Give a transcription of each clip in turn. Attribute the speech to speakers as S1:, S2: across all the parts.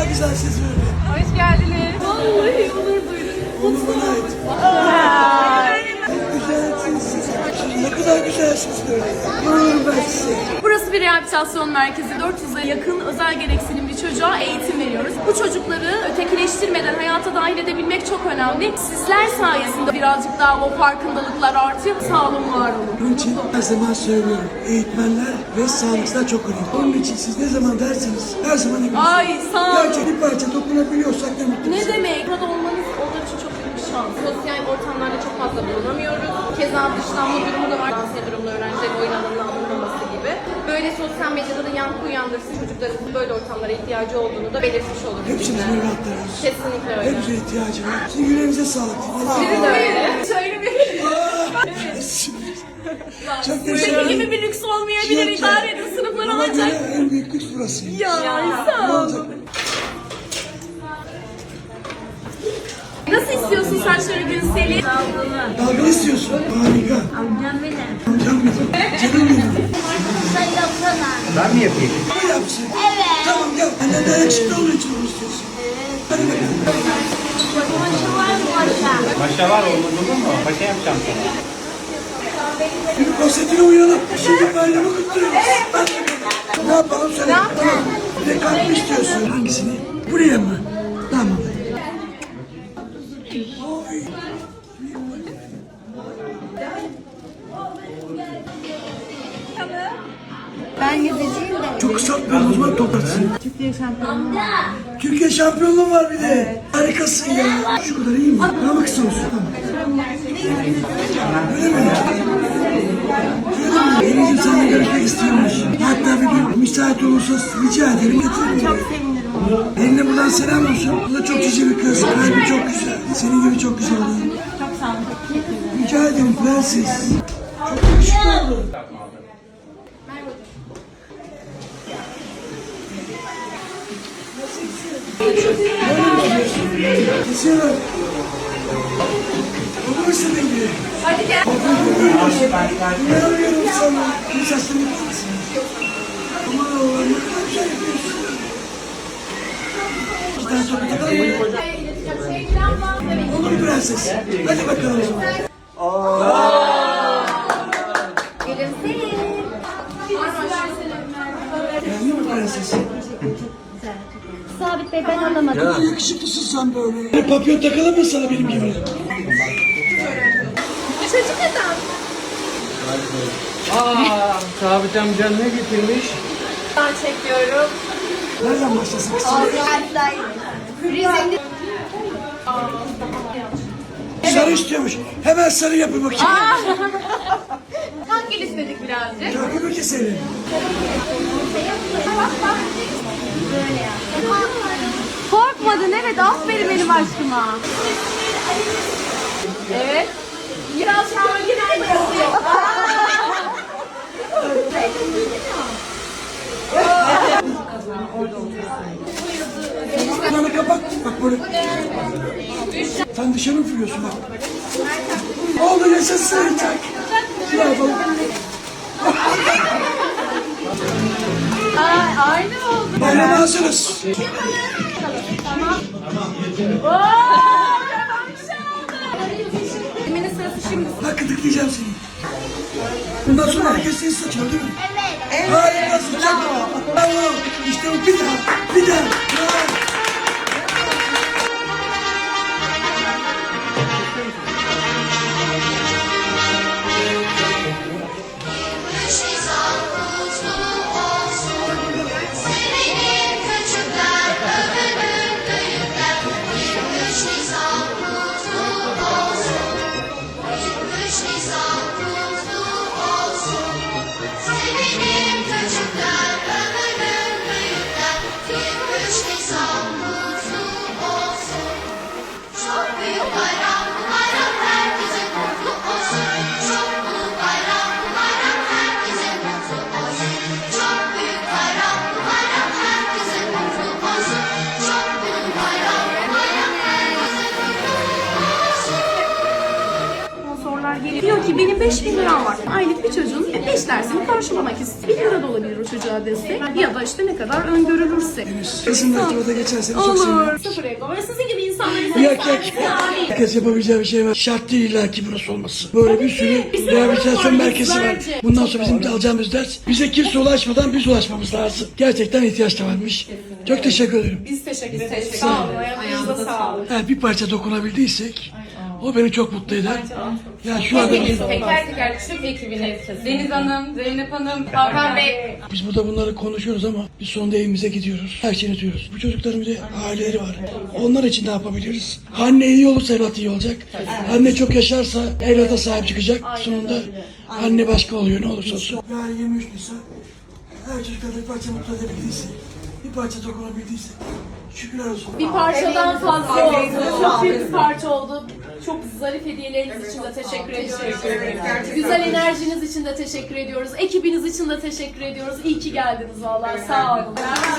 S1: kadar güzel siz böyle.
S2: Hoş geldiniz. Vallahi onur duydum.
S1: Onu bana ait. Güzelsiniz. Ne kadar güzelsiniz böyle. Olurum ben size.
S2: Burası bir rehabilitasyon merkezi. 400'e yakın özel gereksinimli çocuğa eğitim veriyoruz. Bu çocukları ötekileştirmeden hayata dahil edebilmek çok önemli. Sizler sayesinde birazcık daha o farkındalıklar artıyor. Sağ olun, var olun.
S1: Bunun için her zaman söylüyorum. Eğitmenler ve sağlıkçılar çok önemli. Onun için siz ne zaman derseniz her zaman eminsiniz.
S2: Ay sağ olun.
S1: Gerçek bir parça dokunabiliyorsak ne mutlu.
S2: Ne demek? Burada olmanız onlar için çok büyük bir şans. Sosyal ortamlarda çok fazla bulunamıyoruz. Keza dışlanma durumu da var. Dans durumda öğrencilerin oyun alanına alınmaması gibi. Böyle sosyal medyada da yankı uyandırsın, çocukların böyle ortamlara ihtiyacı olduğunu da belirtmiş oluruz.
S1: Hepsinin evlatlarımız.
S2: Kesinlikle öyle.
S1: Hepsine ihtiyacı var. Sizin yüreğinize sağlık.
S2: Sizin de öyle. Şöyle bir...
S1: Çok
S2: Senin
S1: teşekkür
S2: gibi
S1: ederim.
S2: bir lüks olmayabilir, idare edin, sınıflar
S1: Bana
S2: olacak.
S1: göre en büyük lüks burası.
S2: Ya
S1: Ne
S2: sağ
S1: olacak?
S2: olun. Nasıl istiyorsun saçları Gülsel'i?
S1: Dalga istiyorsun. Harika.
S3: Amcam benim.
S1: Amcam benim. Canım benim.
S3: Sen yapsana.
S4: Ben mi yapayım?
S1: O yapsın.
S3: Evet.
S1: Tamam gel. Annen de yakışıklı olduğu için onu istiyorsun. Hadi bakalım.
S3: Maşa var mı maşa?
S4: Paşa var olur mu? Paşa yapacağım sana.
S1: Bir konsetine uyalım. Şimdi bayramı kutluyoruz. Hadi bakalım. Ne yapalım söyle. Tamam. Bir de kalp mı istiyorsun? Hangisini? Buraya mı? Tamam. Oy.
S3: Ben gideceğim de.
S1: Çok kısaltmıyorum o zaman toplarsın.
S3: Türkiye şampiyonu.
S1: Türkiye şampiyonluğu var bir de. Harikasın ya. Şu kadar iyi mi? Daha mı kısa olsun? Tamam. Öyle mi? Deniz'im seninle görüşmek istiyormuş. Hatta bir gün müsait olursa rica ederim getirin.
S3: Çok sevinirim.
S1: Eline buradan selam olsun. Bu da çok cici bir kız. Kalbi çok güzel. Senin gibi çok güzel oldu.
S3: Çok sağ olun. Teşekkür ederim.
S1: Rica ederim prenses. Çok yakışıklı oldu. Kesiyorlar. Olur mu senin gibi?
S2: Hadi gel.
S1: Ne arıyorum sana? Bir saçlarını yapmasın. Aman Allah'ım ne kadar güzel yapıyorsun. Bir tane sohbet edelim mi? Olur prenses. Hadi bakalım o zaman. Beğendin mi prenses?
S3: Sabit Bey ben alamadım.
S1: Ne kadar yakışıklısın sen böyle. Bir papyon takalım mı sana benim gibi?
S2: Çocuk adam.
S4: Sabit amcan ne getirmiş?
S2: Ben çekiyorum.
S1: Nereden başlasın kızım? Sarı istiyormuş. Hemen sarı yapın bakayım.
S2: Kan gel istedik birazcık.
S1: Takip keselim.
S2: Korkmadın, evet, aferin benim aşkıma. Evet. Biraz gölgede mi yazıyor?
S1: Bana kapat. Bak böyle. Sen dışarı mı fırlıyorsun bak. Oldu yaşasın. Ne yapalım?
S2: Aynı oldu.
S1: Bayrama hazırız.
S2: Emine sırası şimdi.
S1: Bak gıdıklayacağım seni. Bundan sonra herkes seni saçıyor değil mi? Evet. Harikasın. Çok bravo. İşte bu bir daha. Bir daha. Bravo.
S5: Sevinim çocuklar ki benim 5.000 liram var. Aylık bir çocuğun 5 dersini karşılamak istiyor. 1 lira da olabilir o çocuğa destek. Ya da işte ne kadar öngörülürse.
S1: Kızım Ertuğrul'da geçen sene çok seviyorum.
S5: Olur. Sıfır ego. Ve sizin gibi insanların
S1: Yok. Herkes yapabileceği bir şey var. Şart değil illa ki burası olması. Böyle bir sürü rehabilitasyon merkezi var. Bundan sonra bizim de alacağımız ders bize kimse ulaşmadan biz ulaşmamız lazım. Gerçekten ihtiyaç da varmış. Çok teşekkür ederim.
S5: Biz teşekkür ederiz. Sağ olun. Ayağınıza sağlık.
S1: Ha, bir parça dokunabildiysek o beni çok mutlu eder. Ya şu anda
S2: Hepimiz teker teker tüm ekibine Deniz Hanım, Zeynep Hanım, Hakan Bey.
S1: biz burada bunları konuşuyoruz ama biz sonunda evimize gidiyoruz. Her şeyini diyoruz. Bu çocukların bir de aileleri var. Onlar için ne yapabiliriz? Anne iyi olursa evlat iyi olacak. Anne çok yaşarsa evlata sahip çıkacak. Sonunda anne başka oluyor ne olursa olsun. Yani 23 Nisan her çocuklara bir parça mutlu edebildiysek, bir parça dokunabildiysek şükürler olsun.
S5: Bir parçadan fazla oldu. Çok büyük bir parça oldu. Çok zarif hediyeleriniz için de teşekkür ediyoruz. Güzel enerjiniz için de teşekkür ediyoruz. Ekibiniz için de teşekkür ediyoruz. İyi ki geldiniz vallahi. Sağ olun.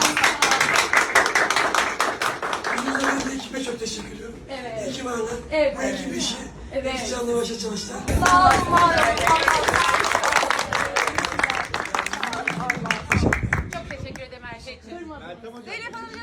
S1: Ben de ekibe çok teşekkür ediyorum.
S5: Evet.
S1: Ekip ağırlar.
S5: Evet.
S1: Bu ekip işi.
S5: Evet.
S1: İki canlı başa çalıştılar.
S5: Sağ olun. Var olun.
S2: Çok teşekkür ederim her şey için. Zeynep Hanım